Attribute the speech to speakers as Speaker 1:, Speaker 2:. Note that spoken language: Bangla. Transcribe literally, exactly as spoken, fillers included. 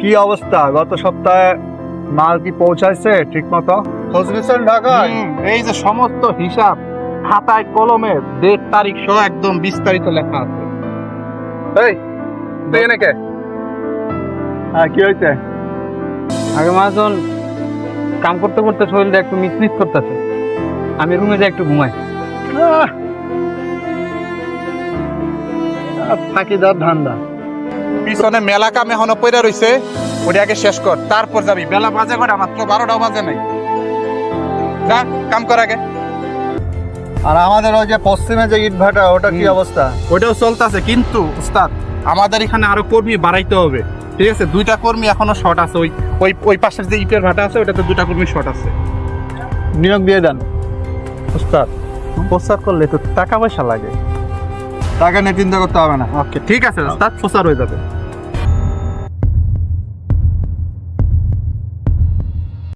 Speaker 1: কি অবস্থা? গত সপ্তাহে মাল কি পৌঁছাইছে ঠিক মতো? খোঁজ নিচ্ছেন ঢাকায়?
Speaker 2: হুম, এই যে সমস্ত হিসাব খাতায় কলমে ডেট তারিখ সহ একদম বিস্তারিত লেখা আছে।
Speaker 1: এই তুই এনে কে? হ্যাঁ, কি হয়েছে?
Speaker 3: আগে মহাজন কাম করতে করতে শরীরটা একটু মিসমিস করতেছে, আমি রুমে যাই একটু ঘুমাই।
Speaker 1: আহ, আর থাকি যার ধান্দা।
Speaker 2: পিছনে মেলা কাম এখনো পড়ে রইছে, ওটা আগে শেষ কর, তারপর যাবি। বেলা বাজে কটা? মাত্র বারোটাও বাজে নাই। যা কাম কর আগে।
Speaker 1: আর আমাদের ওই যে পশ্চিমে যে ইট ভাটা, ওটা কি
Speaker 2: হুম।
Speaker 1: অবস্থা?
Speaker 2: ওইটাও চলতেছে, কিন্তু উস্তাদ আমাদের এখানে আরো কর্মী বাড়াইতে হবে। ঠিক আছে, দুইটা কর্মী এখনো শর্ট আছে। ওই ওই ওই পাশের যে ইটের ভাটা আছে, ওটাতে দুইটা কর্মী শর্ট আছে।
Speaker 1: নিয়োগ দিয়ে দেন।
Speaker 2: উস্তাদ প্রচার করলে তো টাকা পয়সা লাগে।
Speaker 1: টাকা নিয়ে চিন্তা করতে হবে না।
Speaker 2: ওকে, ঠিক আছে উস্তাদ, প্রচার হয়ে যাবে।